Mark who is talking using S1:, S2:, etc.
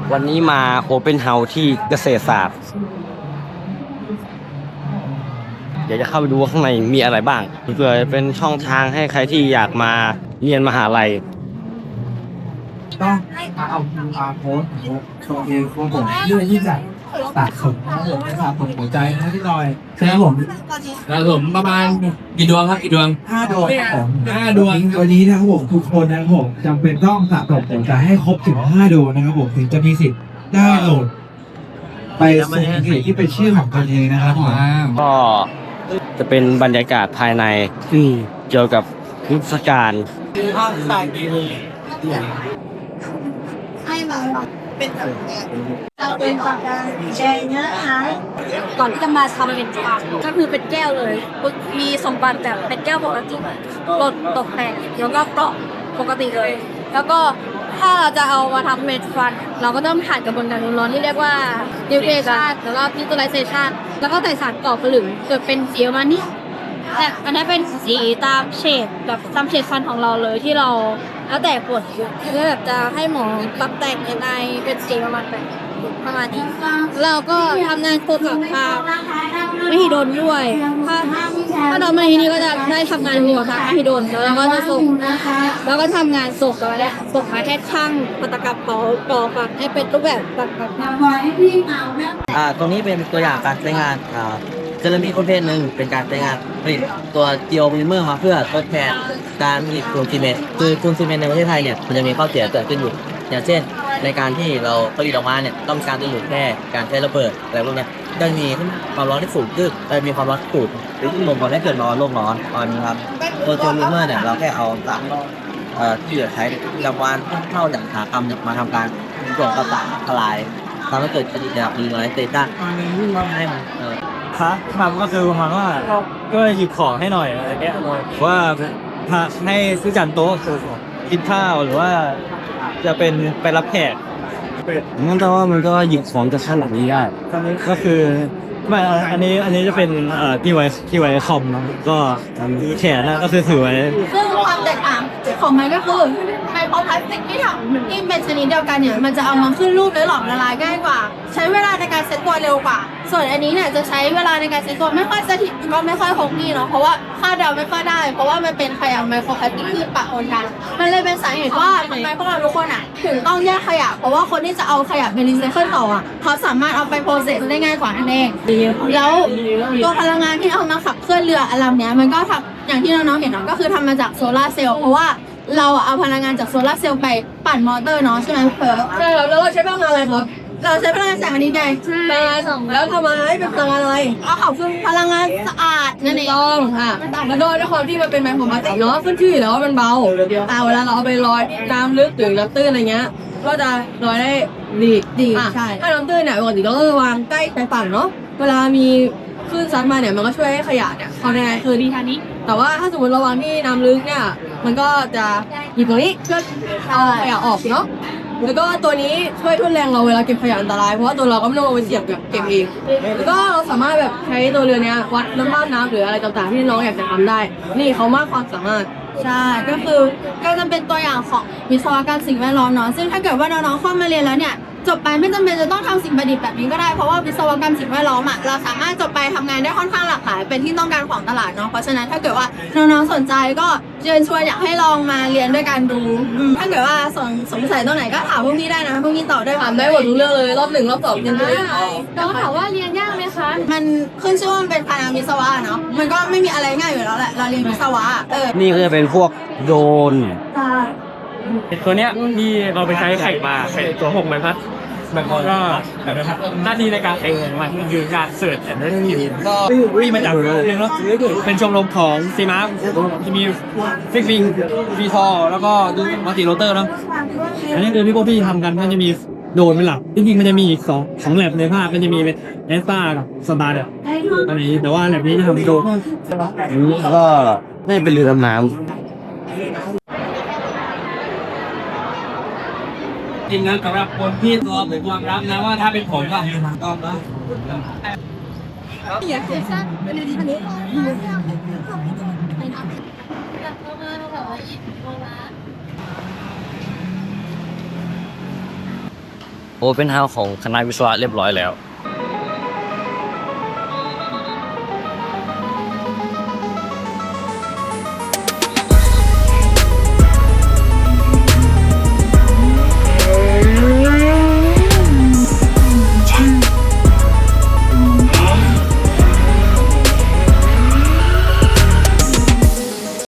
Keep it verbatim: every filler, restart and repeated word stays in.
S1: วันนี้มาโอเ n นเฮาส์ที่เกษตรศาสตร์เดี๋ยวจะเข้าไปดูว่าข้างในมีอะไรบ้างเพื่อเป็นช่องทางให้ใครที่อยากมาเรียนมหาลัย
S2: ต้องเอาอาโพสโชว์เองของผมเรื่องที่จะตัดผมนะครับผมนะครับผมหัวใจนะพี่หน่อยใช่ครับผม
S3: ครับผมประมาณกี่ดวงครับกี่ดวง
S2: ห้าดวงครับผม
S3: ห้าดวง
S2: วันนี้นะครับผมทุกคนนะครับผมจำเป็นต้องสะสมหัวใจให้ครบถึงห้าดวงนะครับผมถึงจะมีสิทธิ์ได้โหลดไปส่งเพจที่เป็นชื่อของตนเองนะครับผม
S1: ก็จะเป็นบรรยากาศภายในเกี่ยวกับเทศกาล
S4: ให้มาเป็นแบบเราเป็นปากกาแดงเนื้อหาก่อนที่จะมาทำเป็นปากก็คือเป็นแก้วเลยมีสมบัติแบบเป็นแก้วปกติตกตกแต่งแล้วก็เปราะปกติเลย แล้วก็ถ้าเราจะเอามาทำเป็นฟัน เราก็ต้องผ่านกระบวนการร้อนที่เรียกว่าดิวเทชันแล้วก็พิจูไลเซชันแล้วก็ใส่สารก่อผลึกเกิดเป็นสีประมาณนี้แต่อันนี้เป็นสีตามเฉดแบบตามเฉดฟันของเราเลยที่เราแล้วแต่ปวดเพื่อแบบจะให้หมอปรับแต่งยังไงเป็นสีประมาณแบบประมาณนี้เราก็ทำงานโคกับทางไม่ฮิโดนด้วยถ้าถ้าเรามาที่นี่ก็จะได้ทำงานหัวทางไม่ฮิโดนแล้วเราก็จะส่งแล้วก็ทำงานส่งกันแล้วส่งมาแค่ช่างปัตกรรมต่อต่อฝักให้เป็นรูปแบบแบบแบบ
S5: อ่าตรงนี้เป็นตัวอย่างการใช้งานอ่าเซรามิกประเภทหนึ่งเป็นการใช้งานผลิตตัวเจีโอโพลิเมอร์มาเพื่อทดแทนการผลิตปูนซีเมนต์คือปูนซีเมนต์ในประเทศไทยเนี่ยมันจะมีข้อเสียเกิดขึ้นอยู่อย่างเช่นในการที่เราผลิตออกมาเนี่ยต้องการจะหยุดแค่การใช้ระเบิดอะไรพวกเนี้ยก็มีความร้อนที่สูงขึ้นเออมีความร้อนสูงหรือที่บ่งบอกให้เกิดร้อนโลกร้อนตอนนี้ครับตัวเจีโอโพลิเมอร์เนี่ยเราแค่เอาสารเอ่อที่เหลือใช้ประจำวันเข้าจากอุตสาหกรรมเนี่ยมาทำการกรองประสานทลายทำให้เกิดปฏิกิริยาดีน้อยเตต้าให้มันเออ
S6: พระทำก็คือประมาณว่าก็หยิบของให้หน่อยอะไรเงี้ยว่าพระให้ซื้อจานโต๊ะกินข้าวหรือว่าจะเป็นไปรับแขก
S1: งั้นแต่ว่ามันก็หยิบของจากข้างหลังนี้ได้
S6: ก็คือไม่อันนี้อันนี้จะเป็นเอ่อที่ไว้ที่ไว้คอมเนาะก็แขนนะก็คือถือไว้
S4: ซึ่งความแตกต่างของมันก็คือไมโครพลาสติกที่ทำที่เป็นชนิดเดียวกันเนี่ยมันจะเอามาขึ้นรูปและหลอมละลายง่ายกว่า ใช้เวลาในการเซ็ตตัวเร็วกว่า ส่วนอันนี้เนี่ยจะใช้เวลาในการเซ็ตตัวไม่ค่อยสถิตก็ไม่ค่อยคงที่เนาะเพราะว่าคาดเดาไม่ค่อยได้ เพราะว่ามันเป็นขยะไมโครพลาสติกที่ปะปนกันมันเลยเป็นสาเหตุว่าทำไมพวกเราทุกคนอ่ะถึงต้องแยกขยะ เพราะว่าคนที่จะเอาขยะไปรีไซเคิลต่ออ่ะเขาสามารถเอาไปโปรเซสได้ง่ายกว่านั่นเองแล้วตัวพลังงานที่เอามาขับเคลื่อนเรือลำเนี้ยมันก็ทำอย่างที่น้องๆเห็นเนาะก็คือทำมาจากโซลาร์เซลล์เพราะว่าเราเอาพลังงานจากโซลาร์เซลล์ไปปั่นมอเตอร์เนาะใช่ไหมเพิร์ใช่ครับแล้วเราใช้พลังงานอะไรครับเราใช้พลังงานแสงอาทิตย์ไงพลังงานสองแล้วทำมาให้เป็นพลังงานอะไรก็ขับเคลื่อนพลังงานสะอาดนั่นเองต้องค่ะแล้วด้วยด้วยความที่มันเป็นไมโครพลาสติกเนาะขึ้นชื่ออยู่แล้วว่ามันเบาอ่าเวลาเราเอาไปลอยน้ำลึกหรือน้ำตื้นอะไรเงี้ยก็จะลอยได้ดีดีใช่ถ้าน้ำตื้นเนี่ยปกติเราก็จะวางใกล้ชายฝั่งเนาะเวลามีคลื่นซัดมาเนี่ยมันก็ช่วยให้ขยะเนี่ยเขาในคือดีทางนี้แต่ว่าถ้าสมมติเราวางที่น้ำลึกเนี่ยมันก็จะหยิบตรงนี้เพื่อเอาขยะออกเนาะแล้วก็ตัวนี้ช่วยทุ่นแรงเราเวลาเก็บขยะอันตรายเพราะว่าตัวเราก็ไม่ต้องลงไปเสียบแบบเก็บเองแล้วก็เราสามารถแบบใช้ตัวเรือเนี้ยวัดน้ำบ้านน้ำหรืออะไรต่างๆที่น้องอยากจะทำได้ นี่เขามากความสามารถใช่ก็คือก็จะเป็นตัวอย่างของวิศวกรรมสิ่งแวดล้อมเนาะซึ่งถ้าเกิดว่าน้องๆเข้ามาเรียนแล้วเนี่ยจบไปไม่จำเป็นจะต้องทำสิ่งประดิษฐ์แบบนี้ก็ได้เพราะว่าวิศวกรรมสิ่งแวดล้อมอ่ะเราสามารถจบไปทำงานได้ค่อนข้างหลากหลายเป็นที่ต้องการของตลาดเนาะเพราะฉะนั้นถ้าเกิดว่าน้องๆสนใจก็เชิญชวนอยากให้ลองมาเรียนด้วยกันดูถ้าเกิดว่าสงสงสัยตรงไหนก็ถามพวกนี้ได้นะพวกนี้ตอบได้ถามได้หมดทุกเรื่องเลยรอบหนึ่งรอบสองเรียนได้แล้วถามว่าเรียนยากไหมคะมันขึ้นชื่อว่ามันเป็นคณะวิศวะเนาะมันก็ไม่มีอะไรง่ายอยู่แล้วแหละเราเรียนวิศวะเออ
S1: นี่ก็จะเป็นพวกโดรน
S6: ตัวเนี้ยที่เราไปใช้แข่งมาเป็นตัวหกใบพัดมันก็หน้าที่ในการแข่งมันคือการเสิร์ชแอนด์รีวิวก็วิ่งมาจากเรื่องเนาะเป็นชมรมของซีมาร์ที่มีฟิกซิงวีทอแล้วก็ดูมัลติโรเตอร์เนาะอันนี้คือที่พวกพี่ทำกันก็จะมีโดนเป็นหลักจริงๆมันจะมีอีกสองสองแลบในภาพมันจะมีเป็นเอสตากับสตาร์เนี่ยอันนี้แต่ว่าแลบนี้จะทำโดน
S1: แล้วก็ได้เป็นเรือดำน้ำ
S3: จริงนะสำหรับคนที่ตัวหรือความรับนะว่าถ้าเป็นผมก็ต้องนะ
S4: อยากเซ็นสั้นเป็นดีทันนี้
S1: โอเป็นเฮาของคณะวิศวะเรียบร้อยแล้ว